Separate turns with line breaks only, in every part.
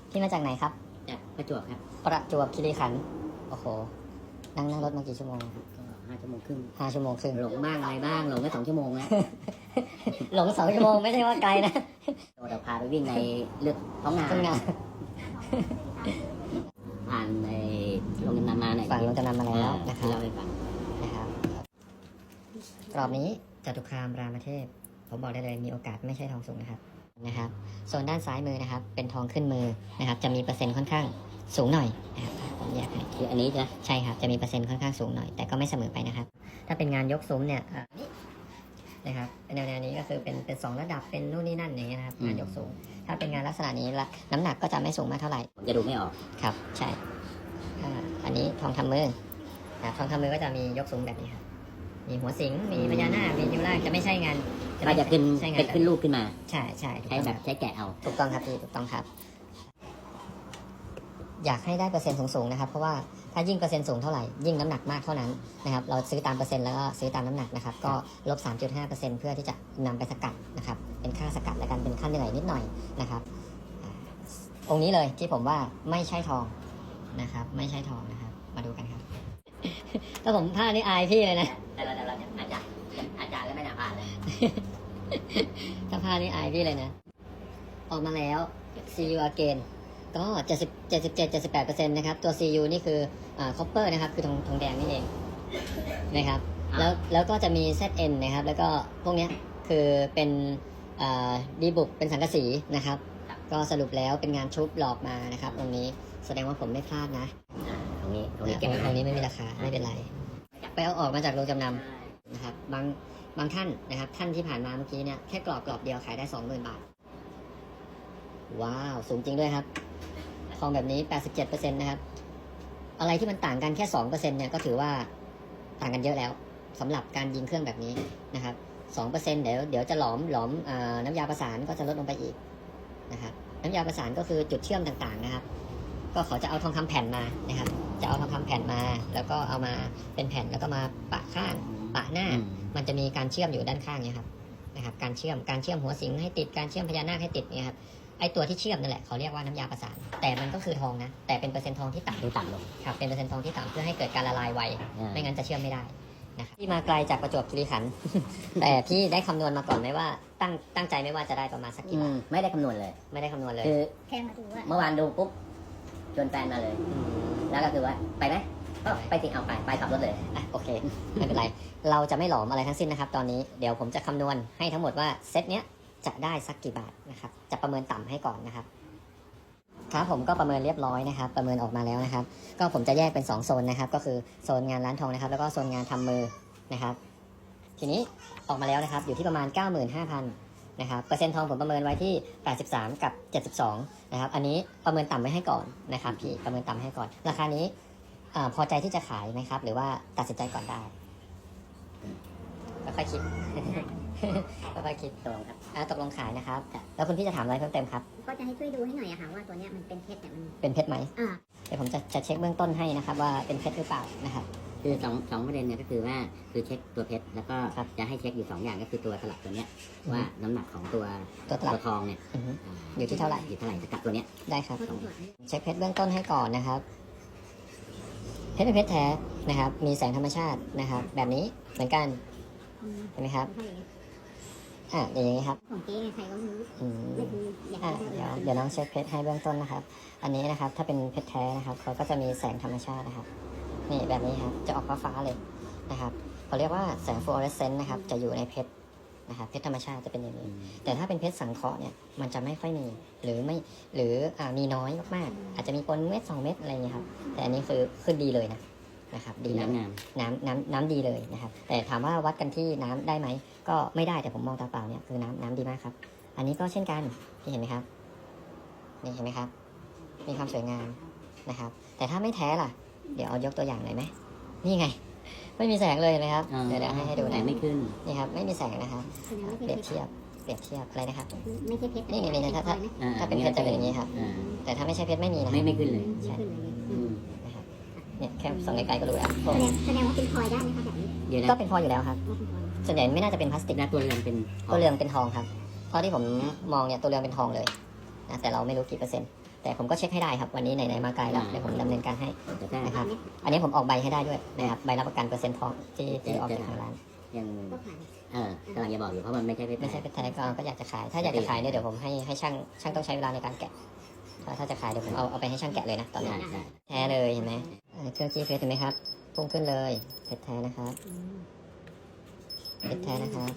พี่มาจากไหนครับ
จากประจวบครับ
ประจวบคีรีขันธ์โอ้โหนั่งรถมากี่ชั่วโมง
ก็5 ชั่วโมงครึ่ง
5 ชั่วโมงครึ่ง
หลงบ้างอะไรบ้างหลงไป2 ชั่วโมงแล้ว
หลง2 ชั่วโมงไม่ใช่ว่าไกลนะ
เดี๋ยวพาไปวิ่งในเลือกท้องนาผ่านในโรงจำนำมาหน่อย
ฝั่งโรงจำนำมาแล้วนะครับ
เราไปฟัง
นะครับรอบนี้จตุคามรามเทพผมบอกได้เลยมีโอกาสไม่ใช่ทองสูงนะครับโซนด้านซ้ายมือนะครับเป็นทองขึ้นมือนะครับจะมีเปอร์เซ็นต์ค่อนข้างสูงหน่อยนะครับผมแยกให้
คืออันนี้
ใช่ครับจะมีเปอร์เซ็นต์ค่อนข้างสูงหน่อยแต่ก็ไม่เสมอไปนะครับถ้าเป็นงานยกซุ้มเนี่ยนี่นะครับแนวนี้ก็คือเป็น2 ระดับเป็นนู่นนี่นั่นอย่างเงี้ยนะครับงานยกสูงถ้าเป็นงานลักษณะนี้ละน้ำหนักก็จะไม่สูงมากเท่าไหร่
ผมจะดูไม่ออก
ครับใช่อันนี้ทองทำมือทองทำมือก็จะมียกสูงแบบนี้ครับมีหัวสิงมีพญานาคมีนิ้วล่างจะไม่ใช่งาน
ก็จะขึ้นรูปขึ้นมา
ใช่
ใช้แกะเอา
ถูกต้องครับพี่ถูกต้องครับอยากให้ได้เปอร์เซ็นต์สูงๆนะครับเพราะว่าถ้ายิ่งเปอร์เซ็นต์สูงเท่าไหร่ยิ่งน้ำหนักมากเท่านั้นนะครับเราซื้อตามเปอร์เซ็นต์แล้วก็ซื้อตามน้ำหนักนะครับก็ลบ 3.5% เพื่อที่จะนำไปสกัดนะครับเป็นค่าสกัดและกันเป็นค่าเหนื่อยนิดหน่อยนะครับองค์นี้เลยที่ผมว่าไม่ใช่ทองนะครับไม่ใช่ทองนะครับมาดูกันครับถ้าผมพลาดนี่อายพี่เลยนะ
แต่เราอาจารย์ก็ไม่น่าพลาดเลย
ถ้าพลาดนี่อายพี่เลยนะออกมาแล้ว See you again ก็77-78% นะครับตัว CU นี่คือcopper นะครับคือทองแดงนี่เองนะครับแล้วก็จะมี ZN นะครับแล้วก็พวกนี้คือเป็นดีบุกเป็นสังกะสีนะครับก็สรุปแล้วเป็นงานชุบหลอกมานะครับตรงนี้แสดงว่าผมไม่พลาดนะ
ตรงนี้
เก็บตรงนี้ไม่มีราคาไม่เป็นไรไปเอาออกมาจากโรงจำนำนะครับบางท่านนะครับท่านที่ผ่านมาเมื่อกี้เนี่ยแค่กรอบเดียวขายได้ 20,000 บาทว้าวสูงจริงด้วยครับทองแบบนี้ 87% นะครับอะไรที่มันต่างกันแค่ 2% เนี่ยก็ถือว่าต่างกันเยอะแล้วสำหรับการยิงเครื่องแบบนี้นะครับ 2% เดี๋ยวจะหลอมน้ำยาประสานก็จะลดลงไปอีกนะครับน้ำยาประสานก็คือจุดเชื่อมต่างๆนะครับก็เขาจะเอาทองคำแผ่นมานะครับจะเอาทองคำแผ่นมาแล้วก็เอามาเป็นแผ่นแล้วก็มาปะข้างปะหน้ามันจะมีการเชื่อมอยู่ด้านข้างเนี่ยครับนะครับการเชื่อมหัวสิงให้ติดการเชื่อมพญานาคให้ติดเนี่ยครับไอตัวที่เชื่อมนั่นแหละเขาเรียกว่าน้ำยาประสานแต่มันก็คือทองนะแต่เป็นเปอร์เซ็นต์ทองที่ต่ำ
ลง
ครับเป็นเปอร์เซ็นต์ทองที่ต่ำเพื่อให้เกิดการละลายไวไม่งั้นจะเชื่อมไม่ได้นะครับที่มาไกลจากประจวบคีรีขันธ์ แต่พี่ได้คำนวณมาก่อนไหมว่าตั้งใจไม่ว่าจะได้ประมาณสักกี่บาท
ไม่ได้คำนวณเลย
คือ
แค่มาดูว่าเมื่อวานดูปุ๊บชวนแฟนมาเลยแล้วก็คือว่าไปไหมก็ไปสิเอาไปขับรถเลย
โอเคไม่เป็นไรเราจะไม่หลอมอะไรทั้งสิ้นนะครับตอนนี้เดี๋ยวผมจะคำนวณให้ทั้งหมดว่าเซตเนี้ยจะได้สักกี่บาทนะครับจะประเมินต่ำให้ก่อนนะครับครับผมก็ประเมินเรียบร้อยนะครับประเมินออกมาแล้วนะครับก็ผมจะแยกเป็น2โซนนะครับก็คือโซนงานร้านทองนะครับแล้วก็โซนงานทำมือนะครับทีนี้ออกมาแล้วนะครับอยู่ที่ประมาณ 95,000 นะครับเปอร์เซ็นต์ทองผมประเมินไว้ที่83กับ72นะครับอันนี้ประเมินต่ำไว้ให้ก่อนนะครับพี่ประเมินต่ำให้ก่อนราคานี้พอใจที่จะขายไหมครับหรือว่าตัดสินใจก่อนได้ค่อยๆคิดค่อยๆคิดตกลงครับตกลงขายนะครับแล้วคุณพี่จะถามอะไรเพิ่มเติมครับ
ก็จะให้ช่วยดูให้หน่อยอะค่ะว่าตัวเนี้ยมันเป็นเพชรแต่มัน
เป็นเพชรไหมเดี๋ยวผมจะเช็คเบื้องต้นให้นะครับว่าเป็นเพชรหรือเปล่านะครับ
คือสองประเด็นเนี่ยก็คือว่าคือเช็คตัวเพชรแล้วก็จะให้เช็คอยู่2อย่างก็คือตัวตลับตัวเนี้ยว่าน้ำหนักของตัวทองเนี่ย
อยู่ที่เท่าไหร่
สกัดตัวเนี้ย
ได้ครับเช็คเพชรเบื้องต้นให้ก่อนนะครับเพชรเป็นเพชรแท้นะครับมีแสงธรรมชาตินะครับแบบนี้เหมือนกันเห็นไหมครับอย่างนี้ครับ
ของเจ๊ไงใครก็ไม่รู้
เดี๋ยวน้องเช็คเพชรให้เบื้องต้นนะครับอันนี้นะครับถ้าเป็นเพชรแท้นะครับเขาก็จะมีแสงธรรมชาตินะครับนี่แบบนี้ครับจะออกฟ้าๆเลยนะครับเขาเรียกว่าแสงฟลูออเรสเซนต์นะครับจะอยู่ในเพชรนะครับเพชรธรรมชาติจะเป็นอย่างนี้แต่ถ้าเป็นเพชรสังเคราะห์เนี่ยมันจะไม่ค่อยมีหรือมีน้อยมากๆอาจจะมีปนเม็ด2 เม็ดอะไรอย่างนี้ครับแต่อันนี้คือดีเลยนะครับดีน้ำดีเลยนะครับแต่ถามว่าวัดกันที่น้ำได้ไหมก็ไม่ได้แต่ผมมองตาเปล่าเนี่ยคือน้ำดีมากครับอันนี้ก็เช่นกันที่เห็นไหมครับนี่เห็นไหมครับมีความสวยงามนะครับแต่ถ้าไม่แท้ล่ะเดี๋ยวเอายกตัวอย่างหน่อยไหมนี่ไงไม่มีแสงเลยนะครับเดี๋ยวให้ดูนะ
ไม่ขึ้น
นี่ครับไม่มีแสงนะครับเปรียบเทียบอะไรนะครับ
ไม่ใช่เพชร
นี่ถ้าเป็นเพชรจะเป็นอย่างนี้ครับแต่ถ้าไม่ใช่เพชรไม่มีนะ
ไม่ขึ้นเลย
ใช่เนี่ยแค่ส่องไกลๆก็รู้แล้ว
แสดงว่าเป็นพลอยได้ไหมคะแบบนี้
ก็เป็นพลอยอยู่แล้วครับส่วนใหญ่ไม่น่าจะเป็นพลาสติก
นะตัวเรืองเป็น
ทองครับเพราะที่ผมมองเนี่ยตัวเรืองเป็นทองเลยนะแต่เราไม่รู้กี่เปอร์เซ็นต์แแต่ผมก็เช็คให้ได้ครับวันนี้ไหนๆมาไกลแล้วเดี๋ยวผมดำเนินการให้
แต่ถ้า
นะครับอันนี้ผมออกใบให้ได้ด้วยนะครับใบรับประกันเปอร์เซ็นต์ทองที่ออกจากทางร้าน
ยัง
ก็ผ่าน
กำลังจะบอกอยู่เพราะมันไม่ใช่เพชร
ไม่ใช่เป็นแท้ก็อยากจะขาย ถ้าอยากจะขายเนี่ยเดี๋ยวผมให้ช่างต้องใช้เวลาในการแกะถ้าจะขายเดี๋ยวผมเอาไปให้ช่างแกะเลยนะตอนนี้
ได้
แท้เลยเห็นไหมเครื่องจี้เฟสเห็นไหมครับพุ่งขึ้นเลยเพชรแท้นะครับเพชรแท้นะครับ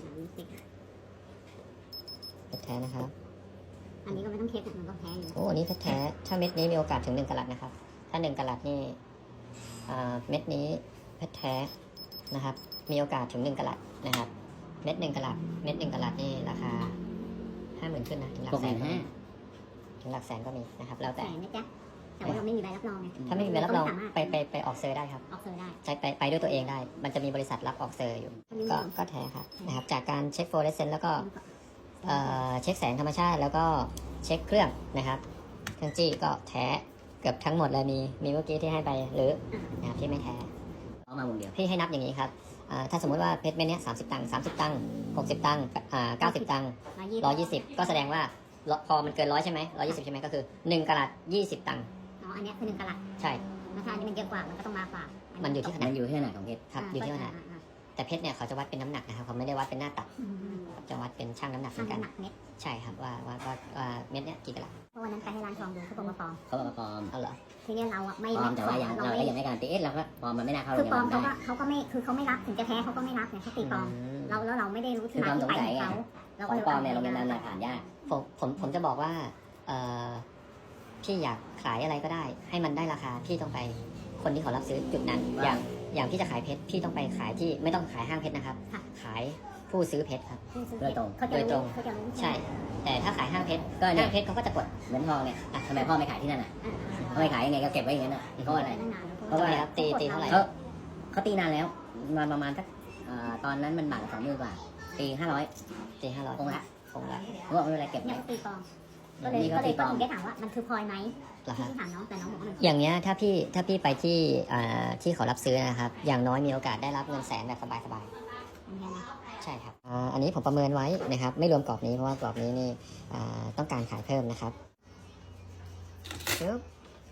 เพชรแท้นะครับ
อันนี้ก็ไม่ต้องเช็คมันก็แพ้อยู่
โอ้อันนี้เพชรแท้ถ้าเม็ดนี้มีโอกาสถึง1 กะรัตนะครับถ้า1 กะรัตนี่เม็ดนี้เพชรแท้นะครับมีโอกาสถึง1 กะรัตนะครับเม็ด1 กะรัตเม็ด1 กะรัตนี่ราคา 50,000ขึ้นนะถึงหลักแสนก็มีถึงหลักแสนก็มีนะครับแล้ว
แต่
แต่
นะจ๊ะแต่ว่าเราไม่มีใบรับรองไง
ถ้าไม่มีใบรับรองไปออกเซอร์ได้ครับ
ออกเซอร์ได้
ใช้ไปด้วยตัวเองได้ มันจะมีบริษัทรับออกเซอร์อยู่ ก็แท้ครับนะครับจากการเช็คโฟลเรสเซนต์แล้วก็เช็คแสงธรรมชาติแล้วก็เช็คเครื่องนะครับเครื่องจี้ก็แท้เกือบทั้งหมดเลยมีเมื่อกี้ที่ให้ไปหรือนะครับที่ไม่แท้
เอามาวงเดียว
พี่ให้นับอย่างนี้ครับถ้าสมมุติว่าเพชรเม็ดเนี้ย30 ตังค์30 ตังค์60 ตังค์90 ตังค์120ก็แสดงว่าพอมันเกิน100ใช่ไหม120ใช่ไหมก็คือ1 กะรัต20 ตังค์
อ๋ออันนี้คือ1 กะรัต
ใช่
ราคานี้มันเยอะกว่ามันก็ต้องมากกว่า
มั
มัน
อยู่ที่ขนา
มั
ด
นอยู่ที่ขนาดของเพชร
ครับอยู่ที่ขนาดแต่เพชรเนี่ยเขาจะวัดเป็นน้ำหนักนะครับเขาไม่ได้วัดเป็นหน้าตัดจะวัดเป็นช่างน้ำหนักเหมื
ช่า
อง นกัน
น้ำหนักเม็ด
ใช่ครับว่าเม็ดเนี้ยกี่กะรัต
เพราะวันนั้นไปให้ร้านทองดูเขาบอกว่าปลอม
เขาบอกว่าปลอม
เอาเหรอ
ทีนี้เราอ่ะไม่
ปลอมแต่ว่ายัง
เรา
เรา
ไม่
ก็ยังไม่การตีเราก็ปลอมมันไม่น่าเข้า
คือปลอม
โรงพยาบาล
เขาก็ไม่คือเขาไม่รับถึงจะแท้เขาก็ไม่รับเนี่ยเขาตีปลอมเราไม่ได้รู้ที่มาที่ไปของเขาเรา
ของปลอมเนี่ยโรงพยาบาลเนี่ยผ่านยาก
ผมจะบอกว่าพี่อยากขายอะไรก็ได้ ให้มันได้ราคาพี่ต้องไปคนที่เขารับซื้อจุดนั้น อย่างพี่จะขายเพชรพี่ต้องไปขายที่ไม่ต้องขายห้างเพชรนะครับ ขายผู้ซื้อเพชรครับ
โดยตรง
เขาจะรู้เขาจะรู้
ใช่ แต่ถ้าขายห้างเพชร
ก็เนี่
ห้าย งเพชรเขาก็จะกด
เหมือนทองเนี่ยทำไมพ่อไม่ขายที่นั่นทำไมขายยังไงก็เก็บไว้อย่างนั้นเพราะอะไร
เพราะว่าครับตีเท่าไหร่
เขาตีนานแล้วมาประมาณสักตอนนั้นมันบาทละ20,000 กว่าตี500
ตี500
คงละ
คงละ
เพราะว่าไม่เป็นไรเก็บ
เนี่
ไว้
ยตีปลอมก็เลยก็ถึงได้ถามว่ามันคือพลอยไหม
เหรอครับ
ที่ถามน้องแต่น้องบอกว่ามัน
อย่างเงี้ยถ้าพี่ไปที่เขารับซื้อนะครับ อย่างน้อยมีโอกาสได้รับเงินแสนแบบสบาย ใช่ครับอันนี้ผมประเมินไว้นะครับ ไม่รวมกรอบนี้เพราะว่ากรอบนี้นี่ต้องการขายเพิ่มนะครับชึบ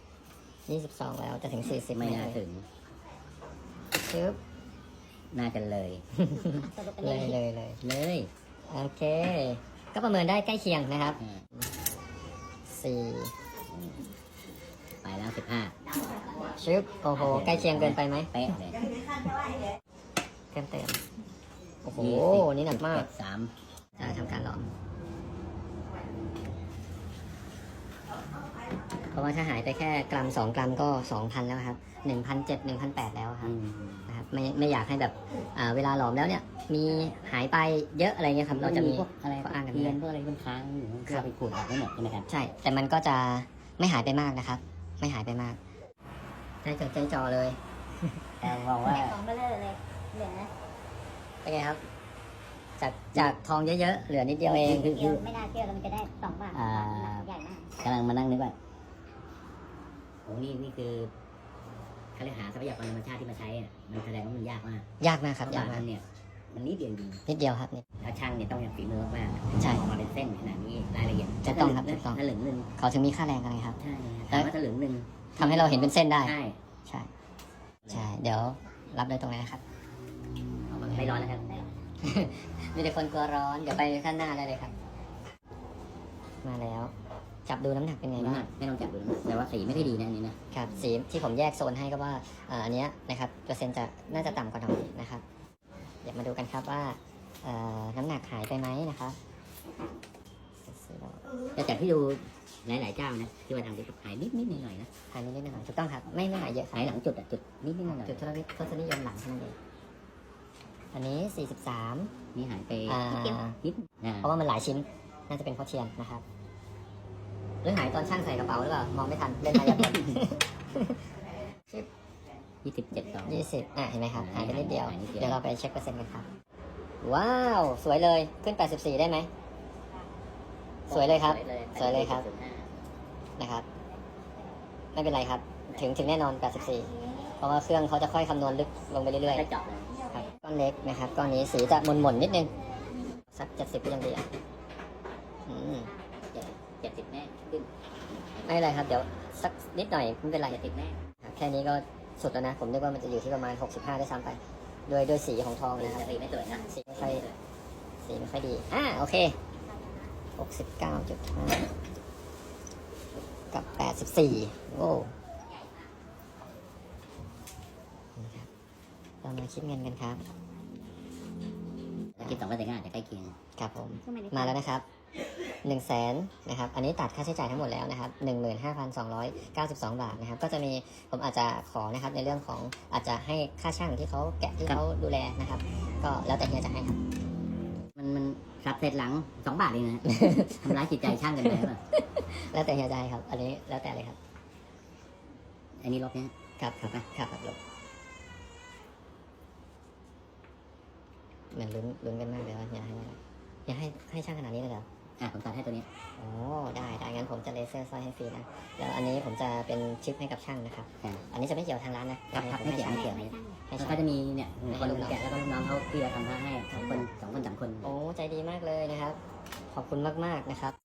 22 แล้วจะถึง 40
ไม่น่าถึง
ชึบ
น่าจะเลย
สรุปไป
เล
เลย ย
เลย
โอเค ก็ประเมินได้ใกล้เคียงนะครับ
ไปแล้ว
4ชึบโอ้โหใกล้เคียงเกินไปไหม
15เป๊ะเลย
เติมโอ้โหนี่หนักมาก
3
จะทำการหลอมเพราะว่าถ้าหายไปแค่กรัม2 กรัมก็ 2,000 แล้วครับ 1,700 1,800 แล้วครับนะครับไม่อยากให้แบบเวลาหลอมแล้วเนี่ยมีหายไปเยอะอะไรเงี้ยครับเราจะมี
พวกอะไร
ก็อ้างกัน
เทีย
ได้
นพวกอะไรมันค้างอยู่เพื่อไปขูดออกไม่หมดใช่ไหมครับ
ใช่ แต่มันก็จะไม่หายไปมากนะครับ ไม่หายไปมากใจจดใจจ่อเลย
แต่บอกว่า
ของเบลอเลยเหลือ
เป็นไงครับ จากทองเยอะๆเหลือนิดเดียวเอง
เดียวไม่น่าเชื่อมันจะได้2 บาทใหญ่มาก
กำลังมานั่งนึกว่าโอ้นี่คือเขาเรียกหาทรัพยากรธรรมชาติที่มาใช้อะมันแสดงว่ามันยากมาก
ยากมากครับยาก
บาง
มา
อั
ก
นเนี่ยมันนิดเดียวจริง
นิดเดียวครับนี่
แล้วช่างเนี่ยต้องอย่างฝีมือมาก
ใช่
ออกมาเป็นเส้นขนาดนี้รายละเอียด
ถูกต้องครับถูกต้อง
ถ้าเหลืองหนึ่ง
เขาถึงมีค่าแรงกันไงครับ
ใช่ถามว่าถ้าเหลืองหนึ่ง
ทำให้เราเห็นเป็นเส้นได้
ใช่
ใช่ ใช่ เดี๋ยวรับเลยตรงนี้นะครับ
ไม่ร้อนนะครับ
มีแต่คนกลัวร้อน เดี๋ยวไปข้างหน้าได้เลยครับ มาแล้ว จับดูน้ำหนักเป็นไง
น้ำ
บ้า
หนั
ง
กไม่ต้องจับดูนะแต่ว่าสีไม่ค่อยดีนะอันนี้นะครับ
สีที่ผมแยกโซนให้ก็ว่าอันเนี้ยนะครับเปอร์เซ็นต์น่าจะต่ำกว่าหน่อยนะครับ เดี๋ยวมาดูกันครับว่าน้ำหนักหายไปไหมนะครับ
แต่จากที่ดูหลายๆเจ้านะที่ว่าทำที่หายนิดหน่อยๆนะ
หายนิดๆหน่อยๆถูกต้องครับ ไม่หายเยอะครั
หาย
บ
หลังจุดอะจุดนิดหน่อย
จุดทศนิยมหลังเท่านั้นเองอันนี้
ๆนี่หายไป
43
นิดนะ
เพราะว่ามันหลายชิ้น น่าจะเป็นเพราะเทียนนะครับ หรือหายตอนช่างใส่กระเป๋าหรือเปล่า มองไม่ทัน เล่นมายากล
27
20เห็นไหมครับ หายไปนิดเดียว
หายนิดเดียว
เดี๋ยวเราไปเช็คเปอร์เซ็นต์กันครับ ว้าว สวยเลย ขึ้น 84 ได้ไหม สวยเลยครับ สวยเลยครับ นะครับ ไม่เป็นไรครับ ถึงแน่นอน 84 เพราะว่าเครื่องเขาจะค่อยคำนวณลึกลงไปเรื่อย
ได้เจาะเลย
ๆครับ ก้อนเล็กนะครับ ก้อนนี้สีจะหม่นๆนิดนึง สัก 70ก็ยังดีอ่ะ
70แน่ขึ้น
ไม่เป็นไรครับ เดี๋ยวสักนิดหน่อยไม่เป็นไร
จะติดแน่
ครับแค่นี้ก็สุดแล้วนะ ผมนึกว่ามันจะอยู่ที่ประมาณ 65ด้วยซ้ำไปด้วยสีของทองนะครับ
สีไม่สวยนะ
สีไม่ค่อยดีโอเค 69.5 กับ 84โอ้นี่ครับเรามาคิดเงินกันครับ
คิด2%ก็อาจจะใกล้เคียง
ครับผม
ช่วงไม่ได้
มาแล้วนะครับ100,000นะครับ อันนี้ตัดค่าใช้จ่ายทั้งหมดแล้วนะครับ 15,292 บาทนะครับ ก็จะมีผมอาจจะขอนะครับในเรื่องของอาจจะให้ค่าช่างที่เขาแกะที่เขาดูแลนะครับ ก็แล้วแต่เฮียจะให้ครับ
มันสับเสร็จหลัง2 บาทเองนะ ทำร้ายจิตใจช่างกันไปหรือเปล่า
แล้วแต่เฮียจะให้ครับ อันนี้แล้วแต่เลยครับ
อันนี้ลบเนี่ย
ครับลบเหมือนลุ้นกันมากเลยว่าเฮียให้อะไรเฮียให้ช่างขนาดนี้เลยเหรอ
ผมตัดให้ตัวนี้
อ๋อได้งั้นผมจะเลเซอร์สร้อยให้ฟรีนะ แล้วอันนี้ผมจะเป็นชิปให้กับช่างนะครับ อันนี้จะไม่เกี่ยวทางร้านนะครับ
ไม่เกี่ยว
ให้
ไม่เกี่ยว
ให้
แล้ว
ช่าง
ก็จะมีเนี่ยคนแกะแล้วก็ลูกน้องเขาที่เราทำให้2 คน 3 คน
โอ้ใจดีมากเลยนะครับ ขอบคุณมากๆนะครับ